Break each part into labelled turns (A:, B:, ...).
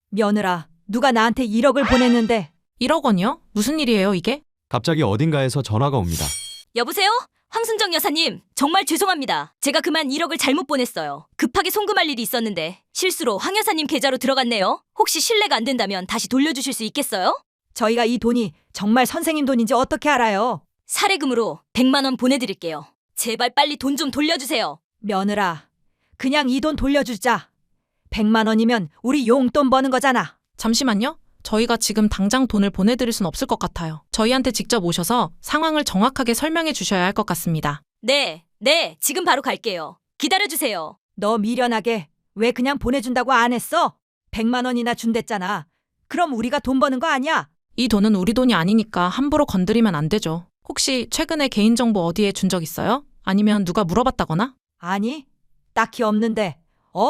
A: 며느라, 누가 나한테 1억을 보냈는데.
B: 1억 원이요? 무슨 일이에요, 이게?
C: 갑자기 어딘가에서 전화가 옵니다.
D: 여보세요? 황순정 여사님, 정말 죄송합니다. 제가 그만 1억을 잘못 보냈어요. 급하게 송금할 일이 있었는데 실수로 황 여사님 계좌로 들어갔네요. 혹시 실례가 안 된다면 다시 돌려주실 수 있겠어요?
A: 저희가 이 돈이 정말 선생님 돈인지 어떻게 알아요?
D: 사례금으로 100만 원 보내드릴게요. 제발 빨리 돈 좀 돌려주세요.
A: 며느라, 그냥 이 돈 돌려주자. 100만 원이면 우리 용돈 버는 거잖아.
B: 잠시만요. 저희가 지금 당장 돈을 보내드릴 순 없을 것 같아요. 저희한테 직접 오셔서 상황을 정확하게 설명해 주셔야 할 것 같습니다.
D: 네, 지금 바로 갈게요. 기다려주세요.
A: 너 미련하게 왜 그냥 보내준다고 안 했어? 100만 원이나 준댔잖아. 그럼 우리가 돈 버는 거 아니야?
B: 이 돈은 우리 돈이 아니니까 함부로 건드리면 안 되죠. 혹시 최근에 개인정보 어디에 준 적 있어요? 아니면 누가 물어봤다거나?
A: 아니, 딱히 없는데.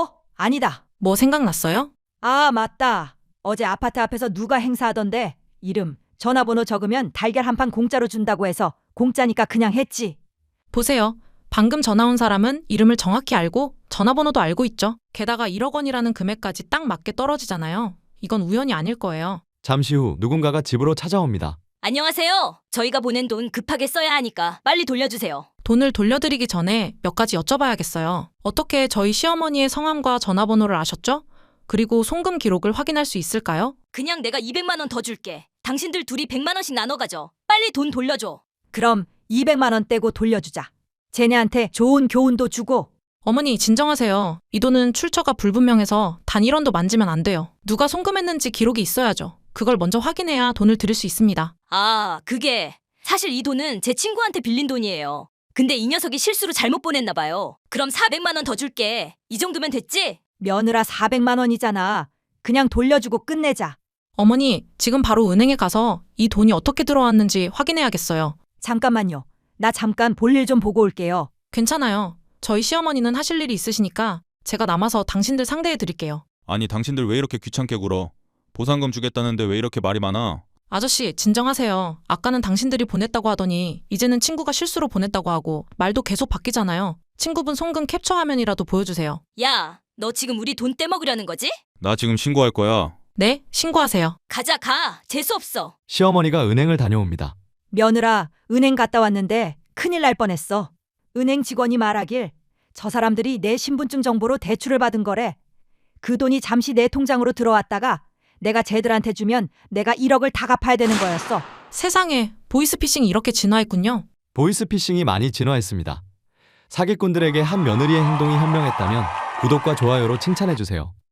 A: 아니다.
B: 뭐 생각났어요?
A: 아, 맞다. 어제 아파트 앞에서 누가 행사하던데 이름, 전화번호 적으면 달걀 한 판 공짜로 준다고 해서 공짜니까 그냥 했지.
B: 보세요. 방금 전화 온 사람은 이름을 정확히 알고 전화번호도 알고 있죠. 게다가 1억 원이라는 금액까지 딱 맞게 떨어지잖아요. 이건 우연이 아닐 거예요.
C: 잠시 후 누군가가 집으로 찾아옵니다.
D: 안녕하세요. 저희가 보낸 돈 급하게 써야 하니까 빨리 돌려주세요.
B: 돈을 돌려드리기 전에 몇 가지 여쭤봐야겠어요. 어떻게 저희 시어머니의 성함과 전화번호를 아셨죠? 그리고 송금 기록을 확인할 수 있을까요?
D: 그냥 내가 200만 원 더 줄게. 당신들 둘이 100만 원씩 나눠 가져. 빨리 돈 돌려줘.
A: 그럼 200만 원 떼고 돌려주자. 쟤네한테 좋은 교훈도 주고.
B: 어머니 진정하세요. 이 돈은 출처가 불분명해서 단 1원도 만지면 안 돼요. 누가 송금했는지 기록이 있어야죠. 그걸 먼저 확인해야 돈을 드릴 수 있습니다.
D: 아, 그게 사실 이 돈은 제 친구한테 빌린 돈이에요. 근데 이 녀석이 실수로 잘못 보냈나 봐요. 그럼 400만 원 더 줄게. 이 정도면 됐지?
A: 며느라 400만 원이잖아. 그냥 돌려주고 끝내자.
B: 어머니, 지금 바로 은행에 가서 이 돈이 어떻게 들어왔는지 확인해야겠어요.
A: 잠깐만요. 나 잠깐 볼일 좀 보고 올게요.
B: 괜찮아요. 저희 시어머니는 하실 일이 있으시니까 제가 남아서 당신들 상대해 드릴게요.
E: 아니 당신들 왜 이렇게 귀찮게 굴어? 보상금 주겠다는데 왜 이렇게 말이 많아?
B: 아저씨, 진정하세요. 아까는 당신들이 보냈다고 하더니 이제는 친구가 실수로 보냈다고 하고 말도 계속 바뀌잖아요. 친구분 송금 캡처 화면이라도 보여주세요.
D: 야, 너 지금 우리 돈 떼먹으려는 거지?
E: 나 지금 신고할 거야.
B: 네, 신고하세요.
D: 가. 재수없어.
C: 시어머니가 은행을 다녀옵니다.
A: 며느라, 은행 갔다 왔는데 큰일 날 뻔했어. 은행 직원이 말하길 저 사람들이 내 신분증 정보로 대출을 받은 거래. 그 돈이 잠시 내 통장으로 들어왔다가 내가 쟤들한테 주면 내가 1억을 다 갚아야 되는 거였어.
B: 세상에, 보이스피싱이 이렇게 진화했군요.
C: 보이스피싱이 많이 진화했습니다. 사기꾼들에게 한 며느리의 행동이 현명했다면 구독과 좋아요로 칭찬해주세요.